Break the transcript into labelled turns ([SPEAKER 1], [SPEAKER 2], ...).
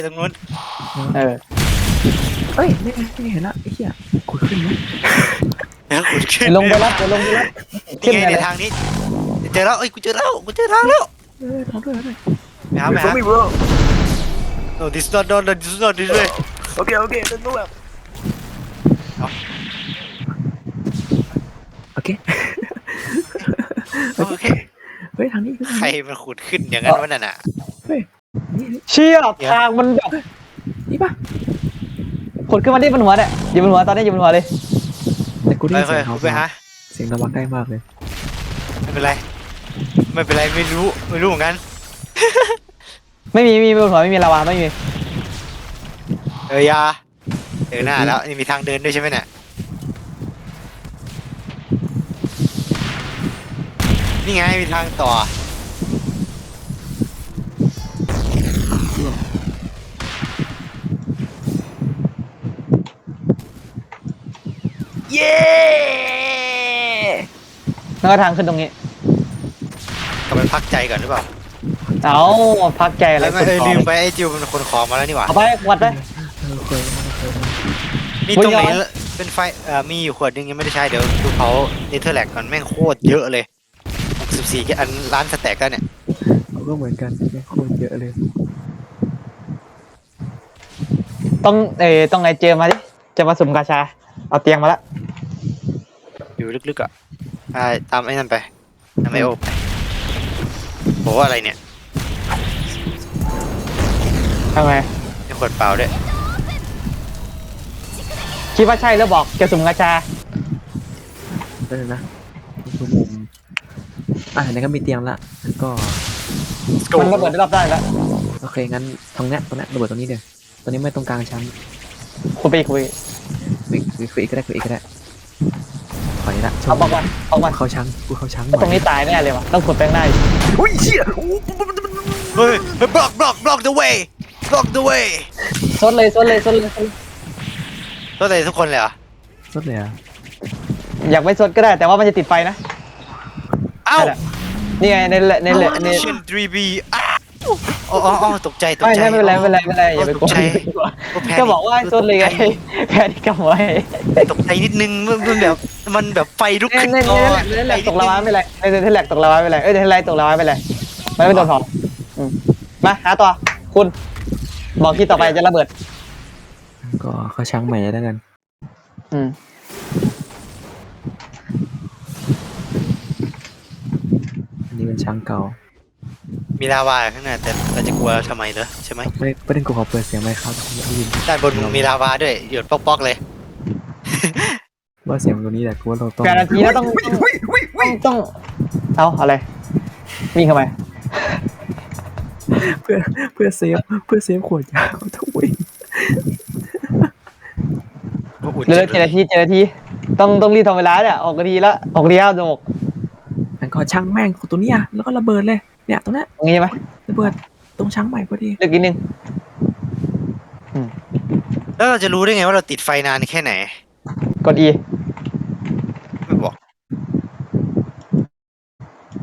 [SPEAKER 1] ตรงนู้น
[SPEAKER 2] เออ
[SPEAKER 3] เอ้ยไม่เห็นละไอ้เหี้ยขุดขึ้นไหม
[SPEAKER 1] แล้วขุดขึ้น
[SPEAKER 2] ลงไปรับลงไปรับ
[SPEAKER 1] นี่ไงในทางนี้เจอแล้วเอ้ยกูเจอแล้วกูเจอทางแล้ว
[SPEAKER 3] ทำด้วย
[SPEAKER 1] ไปหาไปหา no this not no no this not this way
[SPEAKER 3] โอเคต้องรู้แบบโอเค
[SPEAKER 1] โอเค
[SPEAKER 3] เฮ้ยทางนี้
[SPEAKER 1] ใครมันขุดขึ้นอย่างนั้นวะนั่นน่ะ
[SPEAKER 3] นี่
[SPEAKER 2] เชี่ยทางมันแบบ
[SPEAKER 3] นี่ป่ะ
[SPEAKER 2] ขดขึ้นมาที่บนหัวเนี่ยอยู่บนหัวตอนนี้อยู่บนหัวเลย
[SPEAKER 3] แต่กูได้
[SPEAKER 1] ไป
[SPEAKER 3] ยิน
[SPEAKER 1] ไป
[SPEAKER 3] เสียงระวังได้มากเลย
[SPEAKER 1] ไม่เป็นไรไม่รู้เหมือนกัน
[SPEAKER 2] ไม่มีบนหัวไม่มีลาวาไม่มี
[SPEAKER 1] ยาเดินหน้าแล้วนี่มีทางเดินด้วยใช่ไหมเนี่ยนี่ไงมีทางต่อเย้
[SPEAKER 2] แล้วก็ทางขึ้นตรงนี้
[SPEAKER 1] กลับไปพักใจก่อนหรือเปล่า
[SPEAKER 2] เอาพักใจอะไร
[SPEAKER 1] แล้วไม่ลืมไปไอ้จิวมันคนของมาแล้วนี่หว่า
[SPEAKER 2] เอาไปวัดไป
[SPEAKER 3] เคย
[SPEAKER 1] มีตรงไหนเป็นไฟมีอยู่ขวดนึงยังไม่ได้ใช้เดี๋ยวดูเขาเนเธอร์แลกก่อนแม่งโคตรเยอะเลย64แค่อันล้านสแต็กแล้วเนี่ย
[SPEAKER 3] เขาก็เหมือนกันโคตรเยอะเลย
[SPEAKER 2] ต้องไงเจอมาดิจะมาสุ่มกาชาเอาเตียงมาละ
[SPEAKER 1] อยู่ลึกๆอ่ะตามไอ้นั่นไปตามไอโอไปบอกว่าอะไรเนี่ย
[SPEAKER 2] ทำไม
[SPEAKER 1] มีขวดเปล่าด้วย
[SPEAKER 2] คิดว่าใช่แล้วบอกจะสุ่มกาชา
[SPEAKER 3] ได้เลยนะคือมุมไหนก็มีเตียงละก็
[SPEAKER 2] มันระเบิดได้รอบได้แล้ว
[SPEAKER 3] โอเคงั้นตรงเนี้ยระเบิดตรงนี้เดี๋ยวตอนนี้ไม่ตรงกลางชั้น
[SPEAKER 2] คุยไปคุย
[SPEAKER 3] คุยอีกก็ได้ขอนี้ละ
[SPEAKER 2] เอาบอกมา
[SPEAKER 3] เข้าชั้นกูเข้าชั้น
[SPEAKER 2] ตรงนี้ตายแน่เลยว่ะต้องขุดแป้งหน้า
[SPEAKER 3] อุ้ยเชี่ย
[SPEAKER 1] เฮ้ย block the way block the way
[SPEAKER 2] ซดเลย
[SPEAKER 1] ตัวอะไรทุกคนเลยเหรอ
[SPEAKER 3] สุดเลยอ่ะ
[SPEAKER 2] อยากไม่ซดก็ได้แต่ว่ามันจะติดไฟนะ
[SPEAKER 1] เอ้า
[SPEAKER 2] นี่ไงใน
[SPEAKER 1] Mission 3B อ๋อตกใจ
[SPEAKER 2] ไม่เป็นไรอย่าไปกลัวก็บอกว่าซดเลยไงแพ้ที่กำไว้
[SPEAKER 1] ตกใจนิดนึงมันแบบไฟลุกขึ้น
[SPEAKER 2] ในแหลกตกละวาไม่ไรในแหลกตกละวาไม่ไรในแหลกตกละวาไม่ไรมันไม่โดนถอนมาหาต่อคุณบอกที่ต่อไปจะระเบิด
[SPEAKER 3] ก็เข้าชั้นใหม่แล้วกันอันนี้เป็นชั้นเก่า
[SPEAKER 1] มีลาวาข้างหน้าแต่เราจะกลัวทำไมเหรอใช่ไหม
[SPEAKER 3] ไม่ได้กูขอเปิดเสียงไหมครับได้ยิน
[SPEAKER 1] ด้านบนมึงมีลาวาด้วยหยดป๊อกๆเลย
[SPEAKER 3] ว่าเสียงตัวนี้แหละกูว่าเราต้อง
[SPEAKER 2] 8 นาทีแล้วต้องเอาอะไรวิ่งเข้าไป
[SPEAKER 3] เพื่อเซฟขวดยาเขาต้องวิ่ง
[SPEAKER 2] เหลือ7 นาทีต้องรีบทำเวลาเนี่ยออกนาทีละออกนาทีแล้วจะหมก
[SPEAKER 3] งั้นก็ช่างแม่งของตัวเนี้ยแล้วก็ระเบิดเลยเนี่ยตรงนี้
[SPEAKER 2] ตรงนี้ไหม
[SPEAKER 3] ระเบิดตรงชั้นใหม่พอดี
[SPEAKER 2] เลือกนิดนึง
[SPEAKER 1] แล้วเราจะรู้ได้ไงว่าเราติดไฟนานแค่ไหน
[SPEAKER 2] กด E